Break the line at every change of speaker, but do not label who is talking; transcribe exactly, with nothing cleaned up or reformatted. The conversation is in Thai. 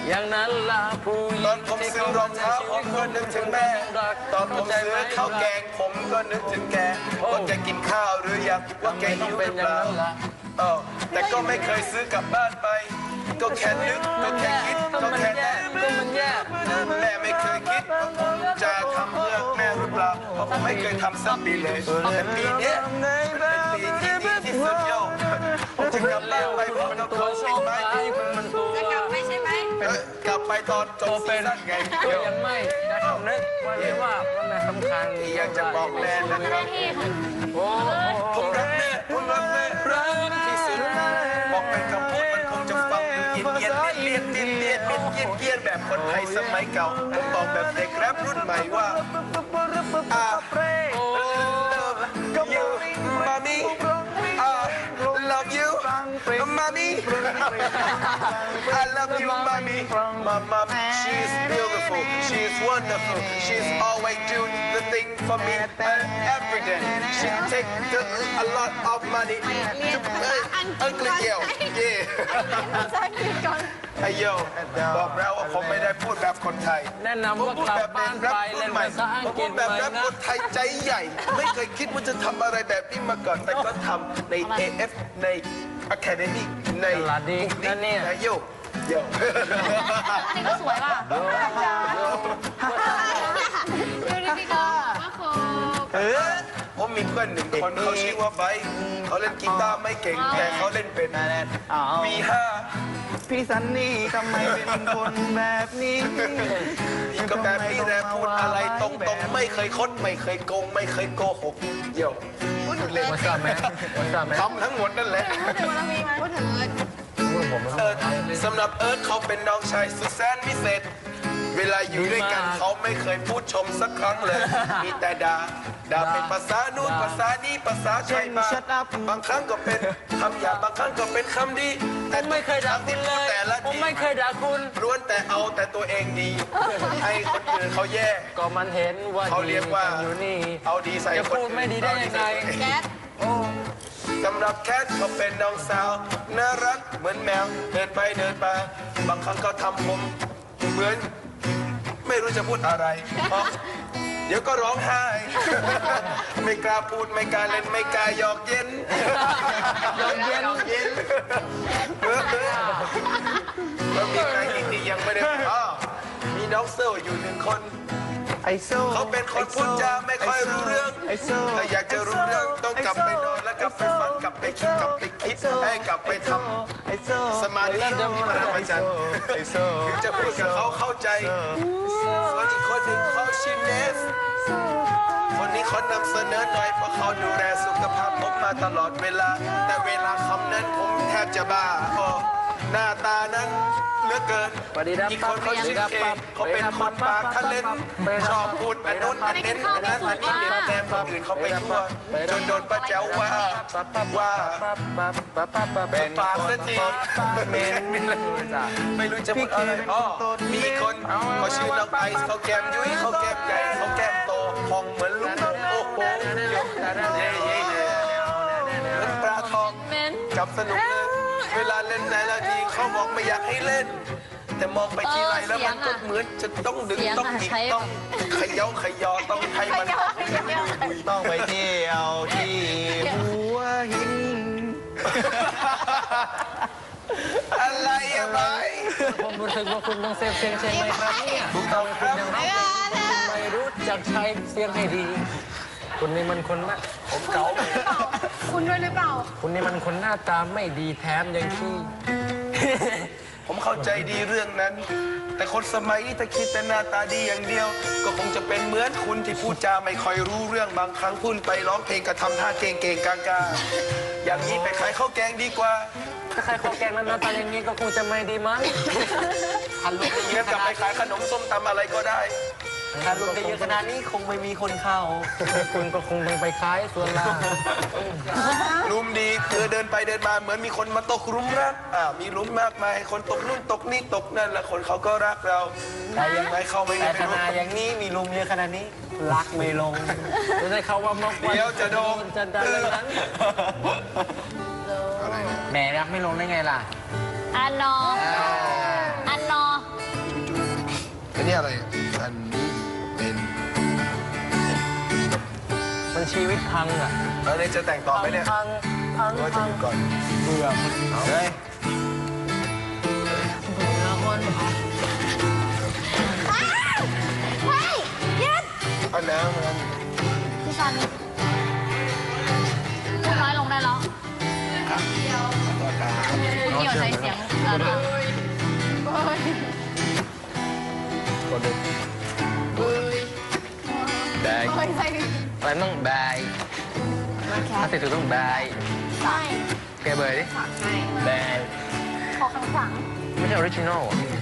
อย่างนั้นล่ะผู้หญิง
ตอนผมซื้อรองเท้าผมก็นึกถึงแม่ตอนผมซื้อข้าวแกงผมก็นึกถึงแกว่าแกกินข้าวหรือยังว่าแกหิวหรือเปล่าเออแต่ก็ไม่เคยซื้อกลับบ้านไปก็แค่นึกก็แค่คิดก็แค่แน่ก็มันแย่แม่ไม่เคยคิดว่าผมจะทำเพื่อแม่หรือเปล่าเพราะผมไม่เคยทำสักปีเลยแต่ปีนี้เป็นปีที่ดีที่สุดโย่ผมจะกลับบ้านไปพร้อมกับเขาใช่ไหม
จะกลับไปใช่ไหม
กลับไปตอนจบซีซั่นไง
ก็ยังไม่ได้คำนึกวันนี้ว่าวันไหนสำคัญ
อยากจะบอกแม่นะครับ
โอ้
ผมรักแม่ผมรักแม่รักที่สุดบอกเป็นคำพูดมันคงจะฟังดูเย็นเย็นเลียนเลียนเลียนเลียนเลียนเลียนแบบคนไทยสมัยเก่าผมบอกแบบเด็กแรปรุ่นใหม่ว่าอ่า you mommy ah love you mommy I love you mommy my mom she's beautiful she's wonderful she's always do the thing for me every day she take the, a lot of money to ugly girl yeah ไอโยบอกแล้วว่าผมไม่ได้พูดแบบคนไทย
แนะนำว่ากลับบ้านไปเล่นภาษาอังกฤษ
แบบ
เลย
แบบ
นะ
คนไทยใจใหญ่ ไม่เคยคิดว่าจะทำอะไรแบบนี้มาก่อนแต่ก็ทำใน เอ เอฟ ใน Academy ใน
ตลาดดีนั่นเนี่ย
ไอโยโย
อันนี้ก็สวยป่ะดูดิพี่ก็ว่าโค
เออผมมีเพื่อนหนึ่งคนเขาชื่อว่าไบร์ทเขาเล่นกีตาร์ไม่เก่งแต่เขาเล่นเป็นวีห้า
พี่ซันนี่ทำไมเป็นคนแบบนี้
พี่ก็แบบพี่แรปพูดอะไรตรงๆไม่เคยคดไม่เคยโกงไม่เคยโกหกโยพูดเล่น
วันทราบไหมวันทราบไหม
ทำทั้งหมดนั่นแหละ
พูดถึงวันมีไหมพูดถึงเลย
ผม
เอิร์ธสำหรับเอิร์ธเขาเป็นน้องชายสุดแสนพิเศษเวลาอยู่ด้วยกันเขาไม่เคยพูดชมสักครั้งเลย มีแต่ด่าด่าเป็นภาษานู่นภาษานี้ภาษาไทยบ้างบางครั้งก็เป็นคำหยาบบางครั้งก็เป็นคำดีแต่
ไม่เคยด่าคุณเลย
แต่ละ
ผม
ที
ไม่เคยด่าคุณ
ล้วนแต่เอาแต่ตัวเองดีให้คนอื่นเขาแย่
ก็มันเห็นว่า
เขาเรียกว่า
อยู่นี่
เอาดีใส่
จะ
คน
พูด
อื่น
ไม่ดีได้ยังไง
แก๊ส
สำหรับแคทเขาเป็นน้องสาวน่ารักเหมือนแมวเดินไปเดินมาบางครั้งก็ทำผมเหมือนไม่รู้จะพูดอะไรเพราะเดี๋ยวก็ร้องไห้ ไม่กล้าพูดไม่กล้าเล่นไม่กล้าหยอกเย็น
หยอกเย็น
เย็นแล้วมีใครอีกที่ยังไม่ได้อ๋อมีน้องเซลอยู่หนึ่งคน
ไอโซ
เขาเป็นคนพูดจาไม่ค่อยรู้เรื่อง
ไอโซ
ถ้าอยากจะรู้เรื่องต้องกลับไปนอนแล้วกลับไปฝันกลับไปคิดกลับไปคิดให้กลับไปทำ
ไอโซ
สมาธิพระอาจารย์
ไอโซ
ถึงจะพูดกับเขาเข้าใจส่วนอีกคนหนึ่งเขาชื่อเนสคนนี้เขานำเสนอหน่อยเพราะเขาดูแลสุขภาพผมมาตลอดเวลา แต่เวลาคำนั้นผมแทบจะบ้าโอ้หน้าตานั้นเหลือเกิน
สวัสดีครับ
อีกคนเขาชื่อเคเขาเป็นคนปากทะเลนชอบพูดอันนู้นอันเน้นอันนั้นอันนี้เน้นแนมคนอื่นเขาไปทั่วจนโดนป้าแจ๋วว่าว่าเป็นปากสักทีไม่รู้จะพูดอะไรอ๋อมีอีกคนเขาชื่อน้องไอซ์เขาแก้มยุ้ยเขาแก้มใหญ่เขาแก้มโตพองเหมือนลูกโป่งโอ้โหเย่เย่เย่เหมือนปลาทองจับสนุกเลยเวลาเล่นในละทีเขาบอกไม่อยากให้เล่น แต่มองไปทีไรแล้วมันก็เหมือนจะต้องดึงต้องหนีต้องเขย่าเขยอต้องให้มัน
ต้องไปเที่ยวที่หัวหิน
อะไรอะไป
ผมรู้สึกว่าคุณต้องเซฟเสียงใช่ไหมครับเนี่ย
ถูกต้องครับ
ไม่รู้จักใช้เสียงให้ดี คุณนี่มันคนนะผมเก่า
คุณด้วยหรือเปล่า
คุณนี่มันคนหน้าตาไม่ดีแถมยังขี้
ผมเข้าใจดีเรื่องนั้น แต่คนสมัยนี้ถ้าคิดแต่หน้าตาดีอย่างเดียว ก็คงจะเป็นเหมือนคุณที่พูดจาไม่ค่อยรู้เรื่องบางครั้งพูดไปร้องเพลงก็ทำท่าเก่งๆกลางๆอย่างนี้ไปขายข้าวแกงดีกว่า
ถ้าใครขอแกงนั้นหน้าตาอย่างนี้ก็คงจะไม่ดีมั้ง
ฮัลโหล
งั้นกลับไปขายขนมส้มตำอะไรก็ได้
ฮัลโหลได้เยอะขนาดนี้คงไม่มีคนเข้า
คุณก็คงต้องไปขายส่วนล่าง
รุมดีคือเดินไปเดินมาเหมือนมีคนมาตกหลุมรักอ่ามีหลุมมากมายคนตกนู่นตกนี่ตกนั่นแล้วคนเขาก็รักเราแต่ยังไงเข้าไม่
แต่
ได้
ข
ไม่รู้
นาดอย่างนี้มีลมเยอะขนาดนี้ รักไม่ลง
จะได้เขาว่ามาก
เดี๋ยวจะโดน
จะได้นั้น
แหมรักไม่ลงได้ไงล่ะ
อันนออันนอ
นี่อะไรอันนี้เป็น
มันชีวิตพังอ่ะ
อันนี้จะแต่งต่อไหมเนี่ย
พังพัง
ว่าจะ
พั
อง ยู่ก่อน
เบื่อ
เฮ้ย
เบื่อคนเฮ้ยยึด
เอาน้ำมัน
พี่ซันพูดน้อยลงได้แล้ว
ต่อตา
เกี่ยวใจเสียงเออ
คนหนึ่ง
แบก
เฮ้ยใส่
อะไรต้องแบกถ้าติดตัวต้องแบก
ใส่
แกเบยดิ
ใส่
แบก
ขอข้างหลัง
ไม่ใช่ออริจินอลอ่ะ